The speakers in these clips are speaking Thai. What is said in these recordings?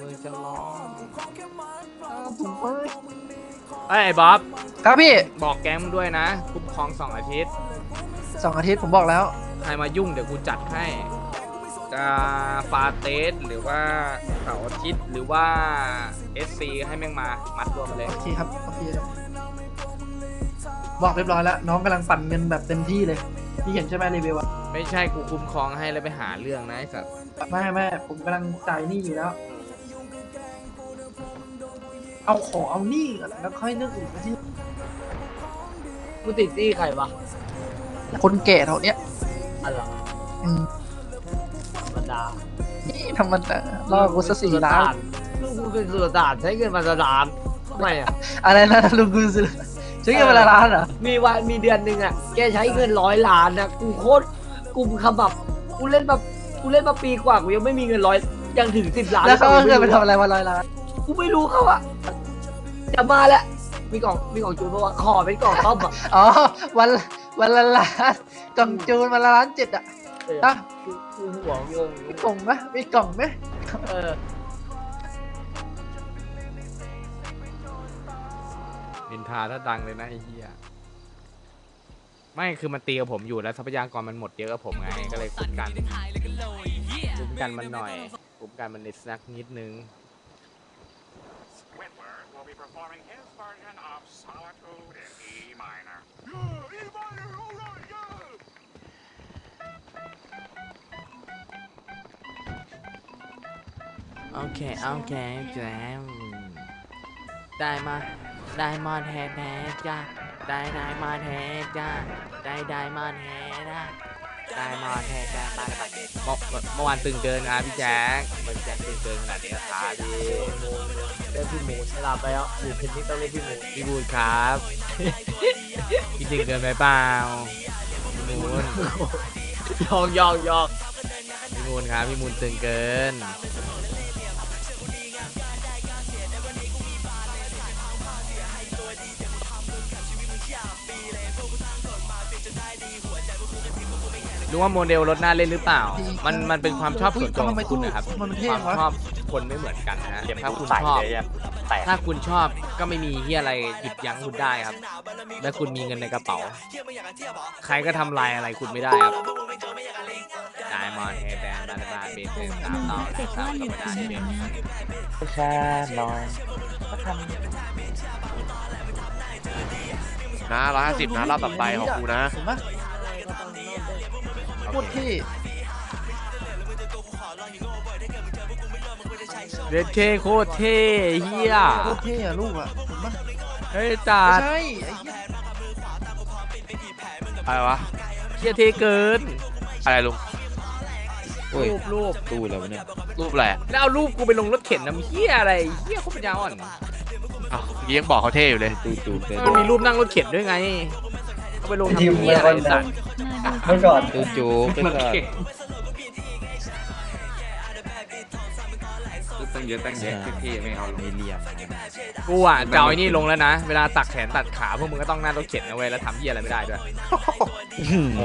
จะร้องผมเอ้ยไอ้บ๊อบครับพี่บอกแก๊งมึงด้วยนะคุ้มครอง2 อาทิตย์ 2 อาทิตย์ผมบอกแล้วใครมายุ่งเดี๋ยวกูจัดให้จะฟาเตสหรือว่าเสาร์อาทิตย์หรือว่า SC ให้แม่งมามัดรวมมาเลยโอเคครับโอเคบอกเรียบร้อยแล้ว น้องกำลังปั่นเงินแบบเต็มที่เลย พี่เห็นใช่ไหมรีวิวอะไม่ใช่กูคุ้มครองให้แล้วไปหาเรื่องนะไอ้สัตว์ไม่ผมกำลังจ่ายหนี้อยู่แล้ว เอาหนี้ก่อนแล้วค่อยเรื่องอื่นนะที่กูติดที่ใครวะคนแก่เท่าเนี้ยอะไรอืมธรรมดานี่ธรรมดาล่อกูซะ4 ล้านลูกกูเป็นสุลต่านใช้เงินมาละล้านทำไมอ่ะอะไรนะลุงกูซื้อใช้เงินเวลาล้านเหรอมีเดือนหนึ่งอ่ะแกใช้เงิน100 ล้านนะกูโคตรกูขมับกูเล่นมาปีกว่ากูยังไม่มีเงินยังถึง10 ล้านแล้วเขาเอาเงินไปม่ทำอะไรวัน100 ล้านกูไม่รู้เขาอ่ะจะมาแล้วมีกล่องจูนเพราะว่าขอเป็นกล่องต้อมอ่ะอ๋อวันละล้านกล่องจูนวันละ1.7 ล้านนะกูหัวงงมีกล่องไหมมีกล่องไหมเออนินทาถ้าดังเลยนะไอ้เหี้ยไม่คือมันตีกับผมอยู่แล้วทรัพยากรมันหมดเยอะกับผมไงก็เลยคุ้มกันมันหน่อยคุ้มกันมันนิดนึง Whitwer will be performing his version of Solitude in E minor. E minor, all right, yeah! โอเคแจมได้มาแท้จ้าได้มาแท้จ้าได้มาแท้จ้าได้มาแท้จ้าเมื่อวานตึงเกินนะพี่แจ๊คมันแจ๊คตึงเกินขนาดนี้ครับพี่เล่นพี่หมูเวลาไปแล้วหมูเพนนี่ต้องเล่นพี่หมูพี่บูนครับ พี่ตึงเกินไปเปล่าพี่มูนยอกพี่มูนครับพี่มูนตึงเกินรู้ว่าโมเดลรถหน้าเล่นหรือเปล่า มันเป็นความชอบส่วนตัวของคุณนะครับมันเท่ความวะชอบคนไม่เหมือนกันนะฮะถ้าคุณชอบ ถ้าคุณชอบก็ไม่มีที่อะไรหยุดยั้งคุณได้ครับ และคุณมีเงินในกระเป๋า ใครก็ทำลายอะไรคุณไม่ได้ครับได้มอนเฮแบนบาร์บาเบส3 ต่อและ3ธรรมดาเบนแค่น้อยนะ150นะรอบต่อไปของกูนะเห็นปะโคตรเท่เรดเคโคตรเท่เฮียโคตรเท่อะลูกอะเห็นปะเฮ้ยจ่าไม่ใช่ไอ้เหี้ยอะไรวะเฮียเท่เกินอะไรลุงรูปตู้แล้วเนี่ยรูปอะไรอะแล้วเอารูปกูไปลงรถเข็นน้ำเฮียอะไรเฮียเขาปัญญาอ่อนอ้าวเมื่อกี้ยังบอกเขาเท่อยู่เลยตู้เป็นมันมีรูปนั่งรถเข็นด้วยไงเอาไปลงทำเฮียอะไรสัตว์เมื่อก่อนตู้จูไปก่อนตั้งเยอะที่ไม่เอาลงไม่เรียบกูอ่ะจะเอาไอ้นี่ลงแล้วนะ เวลาตักแขนตัดขาพวกมึงก็ต้องนั่งรถเข็นนะเว้ยแล้วทำเฮียอะไรไม่ได้ด้วยโอ้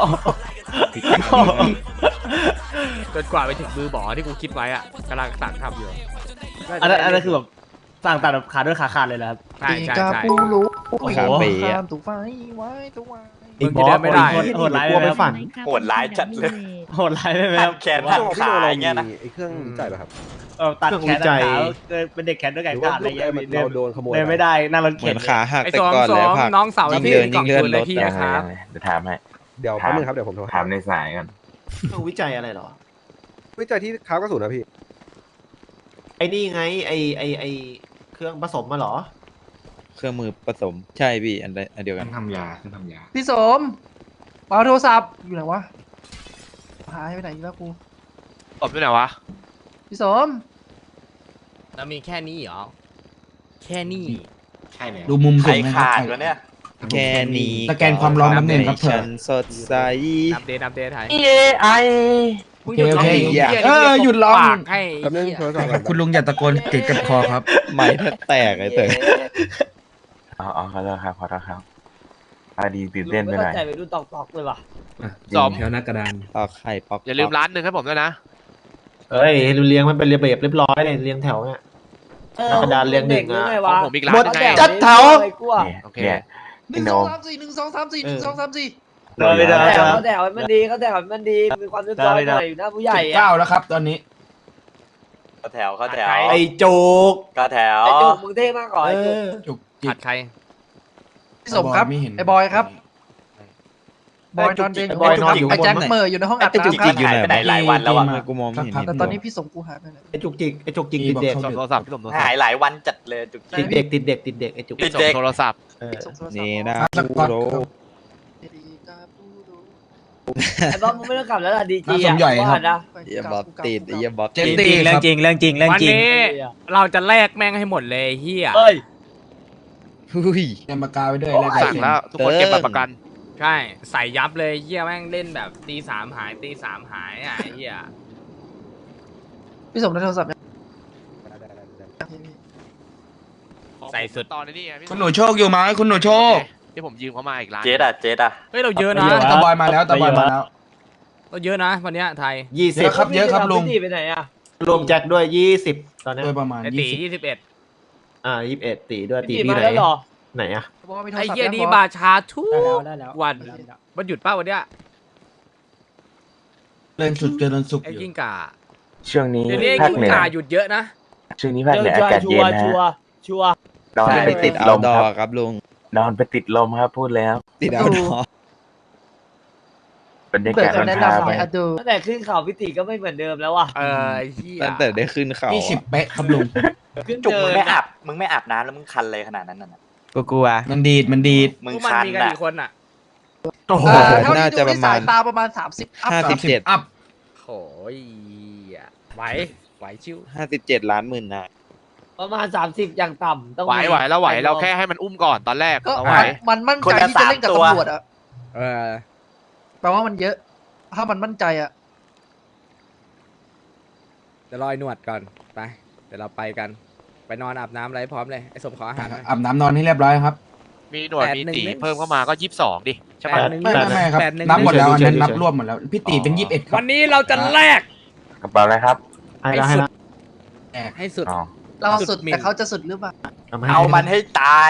จนกว่าไปถึงมือบ่อที่กูคิดไว้อ่ะกำลังตักทำอยู่อันนั้นคือแบบสั่งตัดแบบขาด้วยขาขาดเลยนะครับใช่ใช่กาใช่ปูรู้ขาเป๋ข้าอะมถูกไฟไว้ถูกไว้มึงจะเดินไม่ได้โหดร้ายไหมครับโหดร้ายจัดเลยโหดร้ายไหมครับแขนหักขาอย่างเงี้ยนะไอ้เครื่องวิจัยป่ะครับตัดแขนตัดขาเป็นเด็กแขนด้วยหกันรือขาว่าดอะไรเงี้ยเราโดนขโมยเดินไม่ได้นั่งรถเหมืเข็อน นขาหักไอ้แต่สองก่อนสอแล้วงผักน้องเสาร์ยิ่ที่งเดินกล่องยิ่งเลื่อนคืนเลยรถพี่นะครับเดี๋ยวถามให้เดี๋ยวแป๊บนึงครับเดี๋ยวผมโทรถามในสายก่อนต้องวิจัยอะไรหรอวิจัยที่ค้ากระสุนนะพี่ไอ้นี่ไงไอเครื่องผสมมาหรอเครื่องมือผสมใช่พี่อันเดียวกันทำยาทำยาพี่สมเอาโทรศัพท์อยู่ไหนวะหายไปไหนอีกแล้วกูตบด้วยไหนวะพี่สมแล้วมีแค่นี้เหรอ แค่นี้ใช่เลยดูมุมใครสูงนะครับขาดวะเนี่ยแค่นี้สแกนความร้อนน้ำหนึ่งครับเถฉัอะนสดใสอัปเดตไทยมึงหยุดร้องโอเคเพลงเหี้ยหยุดร้องปากให้แป๊บนึงเหี้ยโทรศัพท์ก่อนคุณลุงอย่าตะโกนติดกับคอครับไม้แทบแตกไอ้เต๋ออ๋อขอโทษครับขอโทษครับพอดีตื่นเต้นไปหน่อยใจไปดูตอกเลยว่ะสอมแถวหน้ากระดานปอกไข่ปอกอย่าลืมร้านหนึ่งให้ผมด้วยนะเอ้ยดูเลี้ยงมันเป็นระเบียบเรียบร้อยเลยเลี้ยงแถวเนี่ย กระดานเรียงหนึ่งอะไงขอวะงผมอีกร้านหนึงไงจัดแถวไอ้กลัวเนี่ยโอเคเนี่ยหนึ่งสองสามสี่หนึ่งสองสามสี่หนึ่งสองสามสี่ไม่ได้เขาแถวให้มันดีเขาแถวให้มันดีมีความเรียบร้อยหน่อยอยู่หน้าผู้ใหญ่อะ 9แล้วครับตอนนี้แถวเข้าแถวไอ้โจ๊กก็แถวไอ้จุกมึงเท่มากก่อนไอ้จุกจุกจิผักดใครพี่สมครับไม่เห็นไอ้บอยครับบอยนอนเด้งไอ้บอยนอนอยู่ไอ้แจ็คข้างบนเหมออยู่ในห้องอัดไอ้จุกน้ำคจิรับกอยู่ไหนไปไหนหลายวันแล้วอะมากูมองไม่เห็นแต่ตอนนี้พี่สมกูหายไปไหนไอ้จุกจิกไอ้จุกจิกติดเด็กส่งโทรศัพท์พี่ส่งโทรศัพหายท์หลายวันจัดเลยจุกติดเด็กติดเด็กติดเด็กไอ้จุกพี่ส่งโทรศัพท์เออส่งโทรศัพท์นี่นะสกอตโรครับไอ้บ๊อบมึงไม่ต้องกลับแล้วล่ะดีจีสมใหญ่ครับว่านะเยี่ยบ๊อบติดเยี่ยบ๊อบเจตินดตีเรื่องจริงวันนี้เราจะแลกแม่งให้หมดเลยเฮียเอ้ยหุ้ยเตรียมปากกาไว้ด้วยสั่งแล้วทุกคนเก็บบัตรประกันใช่ใส่ยับเลยเฮียแม่งเล่นแบบตีสามหายตีสามหายอ่ะไอ้เฮียพี่สมได้โทรศัพท์ยังใส่สุดตอนนี้ไงพี่คุณหนูโชคอยู่ไหมคุณหนูโชคที่ผมยืมเขามาอีกร้านเจ๊ดอะเจ๊ดอะเฮ้ยเราเยอะนะตะบอยมาแล้วตะบอยมาแล้วเราเยอะนะวันเนี้ยไทย 20 เยอะครับเยอะครับลุงพี่ไปไหนอะรวมแจ็คด้วย20ตอนนี้โดยประมาณไอตี 21 21ตีด้วยตีพี่พี่มาไหนแล้วเหรอไหนอะบอกว่ามีโทรไอ้ศัพท์เฮียยังดีบอกบาชาทุกได้แล้ววันมันหยุดป้าวันเนี้ยเล่นสุดเจริญสุขไอ้อยู่กิ้งก่าช่วงนี้เดี๋ยวนี้ไอ้ภาคกิ้งเหนือก่าหยุดเยอะนะช่วงนี้ภาคเหนือชัอาวกาศชัเย็วน ร์นะชัวฮะร์ชัวร์นอนใช่ไปติติดดเอาลมดอครับครับลุงนอนไปติดลมครับพูดแล้วติดเอาดอบรรยาเปิดกาศจะมันแนะพานำไปไงอะดูตั้งแต่ขึ้นเขาพิติก็ไม่เหมือนเดิมแล้วว่ะไอ้เฮียตั้งแต่ได้ขึ้นเขา 20 เป๊ะครับลุงขึ้นจุกเดิมึงนไม่อาบมึงไม่อาบน้ำแล้วมึงคันเลยขนาดนั้นน่ะกลัวมันดีดมันดีดมึงพวกมันคันมีกันอะกี่คนอ่ะโอ้โหเท่าน่าที่จะดูปในระมาสายณตาประมาณ30 อัพ 57 อัพโอ้ยไหวไหวชิว 57 ล้านหมื่นนายประมาณ30อย่างต่ำต้องไหวแล้วไหวเราแค่ให้มันอุ้มก่อนตอนแรกก็เราไหวมันมั่นใจที่จะเล่นกับตำรวจอะเออแปลว่ามันเยอะ ถ้ามันมั่นใจอะเดี๋ยวรอไอ้หนวดก่อนไปเดี๋ยวเราไปกันไปนอนอาบน้ำอะไรพร้อมเลยไอ้สมขออาหารหน่อยอาบน้ำนอนให้เรียบร้อยครับมีหนวดมีตี 81 เพิ่มเข้ามาก็22ดิใช่ปะ 81 ไม่ครับ 81 นับหมดแล้วอันนั้นเฉยๆนับรวมหมดแล้วพี่ตีเป็น21ครัวับนนี้เราจะแลกกระเป๋าอะไรครับให้ละให้ละให้สุดอ๋อเราสุดสุดหมิ่นแต่เขาจะสุดหรือเปล่าเอามันให้ตาย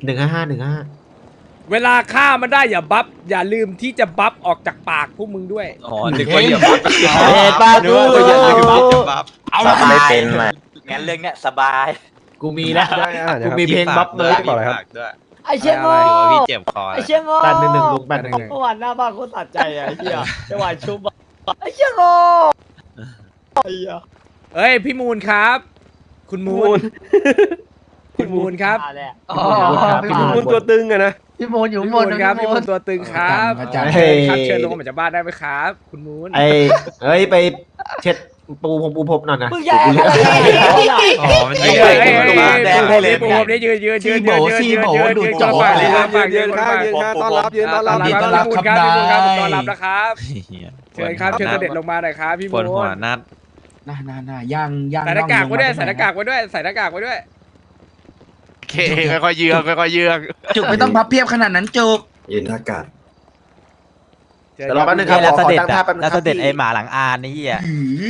155 เวลาฆ่ามันได้อย่าบัฟอย่าลืมที่จะบัฟออกจากปากพวกมึงด้วยอ๋อนึกว่าอย่าบัฟเฮ้ยป้าดูเอาสัละบไม่เป็นมางั้นเรื่องเนี้ยสบายกูมีแล้วได้อาหารกูนะครับมีเพลงบัฟเลยต่อเลยครับไอ้เชี่ยโง่พี่เจ็บคอไอ้เชี่ยโง่ 811ลุง 811 เมื่อวานหน้าบ้านโคตรตัดใจอะไอ้เหี้ยจังหวะชุบอะไอ้เชี่ยโง่ไอ้เหี้ยเอ้ยพี่มูลครับ คุณมูลคุณมูลครับมาแล้วอ๋อพี่พี่มูมูลลตัวตึงอะนะพี่มูลอยู่พี่ข้างบมูนลนะครับพี่มูลตัวตึงครับอาจารย์เฮ้ยครับเชิญลงมาจากบ้านได้ไหมครับ คุณมูลเอ้ยไปเช็ดปูพรมหน่อยนะมึงแย่อะไรอ๋อมันเฮ้ยิยงไปเฮ้ยตรงเฮ้ยบ้านเฮ้ยแดงปูนี่ปูนี่ยืนยืนยืนยืนยืนยืนยืนยืนคนละฝั่งคนละฝั่งยืนข้างยืนข้างต้อนรับยืนต้อนรับพี่มูลครับพี่มูลครับต้อนรับนะครับเหี้ยเชิญครับเชิญเสด็จลงมาหน่อยครับพี่ปมูวดลหัวนัดน่าย่างใส่หน้ากากไว้ด้วยใส่หน้ากากไว้ด้วยใส่หน้ากากไว้ด้วยโอเคค่อยๆเยือกค่อยๆเยือกจุกไม่ต้องพับเพียบขนาดนั้นจุกยืนท่ากาศเชิญเดี๋ยวรอแป๊บนึงครับขอตั้งท่าแป๊บนึงครับหลังอานนี่อ่ะ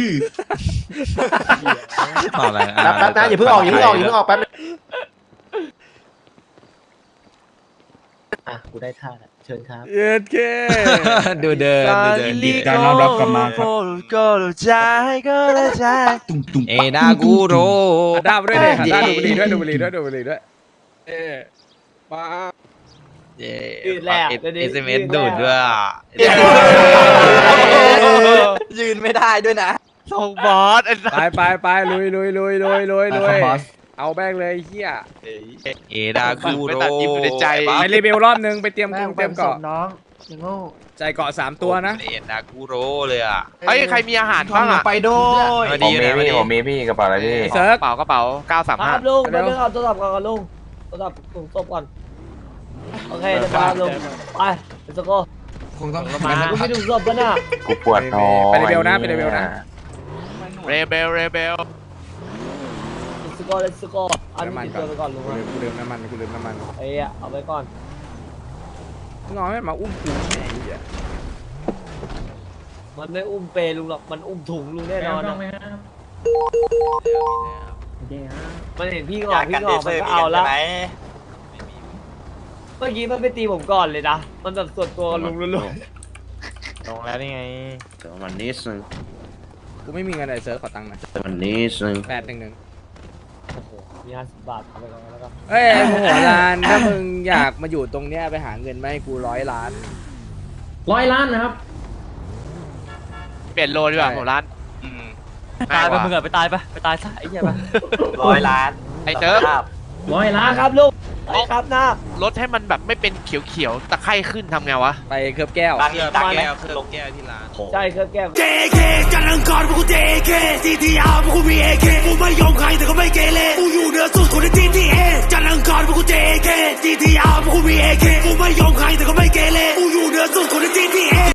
ต่ออะไรแป๊บนะอย่าเพิ่งออกอย่าเพิ่งออกแป๊บนึงอ่ะกูได้ท่าแล้วเชิญครับเย็ดเคดูเดินดีการต้อนรับกลับมาครับตุ้งเอดากูโรด้ามาด้วยเลยด้าดูบุหรี่ด้วยดูบุหรี่ด้วยดูบุหรี่ด้วยมาเย่ยืนแล้วเอสเอ็มเอสดูดด้วยอ่ะยืนไม่ได้ด้วยนะส่งบอสไอ้สัสไปลุยเอาแบงเลยเฮียเอดากูโรไม่ตัดยิ้มอยู่ในใจไปรีวิวรอบนึงไปเตรียมแม่งเตรียมสเกาะมน้องอย่างโง่ใจเกาะ3ตัวนะเอดากูโรเลยอ่ะเฮ้ยใครมีอาหารทอบ้าง งลงอ่ะไปด้วยมาผดีมนะมีมาดีพี่ผมมีพี่กระเป๋าอะไรพี่เซิร์ฟกระเป๋าครับ 935 ลุงไปเรื่องเอาโทรศัพท์ก่อนลุงโทรศัพท์ส่งศพก่อนโอเคเดี๋ยวมาลุงไปเดี๋ยวสโก้คงต้องลุงไม่ถึงศพแล้วน่ะกูปวดท้องไปรีวิวนะไปรีวิวนะเรเบลเดี๋ยวสโก้เลยสโก้อันนี้ติดตัวไปก่อนลุงกูลืมน้ำมันไอ้เอาไปก่อนงอไม่มาอุ้มกูไงมันไม่อุ้มเปลุงหรอกมันอุ้มถุงลุงแน่นอนนะมันเห็นพี่งอกพี่งอกมันก็เอาละไหมเมื่อกี้มันไปตีผมก่อนเลยนะมันแบบส่วนตัวกับลุงล้วนลงแล้วนี่ไงแต่วันนี้นึงกูไม่มีเงินไอเซิร์ฟขอตังค์หน่อยแต่วันนี้นึง 811 ๆโอ้โหมี50 บาทเอาไปก่อนแล้วกันเอ้ยมึงหัวลานถ้ามึงอยากมาอยู่ตรงเนี้ยไปหาเงินมาให้กู100 ล้าน 100 ล้านนะครับเปลี่ยนโลดีกว่าผมร้านอืมตายไปมึงไปตายซะไอ้เหี้ยไป 100 ล้านไอ้เติร์ฟภาพ 100 ล้านครับลุงไปครับหน้าลดให้มันแบบไม่เป็นเขียวๆตะไคร่ขึ้นทำไงวะไปเคลือบแก้วตังค์อีกตังค์ไหมลงใช่เครื่องแก้ว JK จันทร์อังคารพวกกู JK CTR พวกกูมี AK กูไม่ยอมใครแต่ก็ไม่เกเรกูอยู่เหนือสุดคนใน GTA จันทร์อังคารพวกกู JK CTR พวกกูมี AK กูไม่ยอมใครแต่ก็ไม่เกเรกูอยู่เหนือสุดคนใน GTA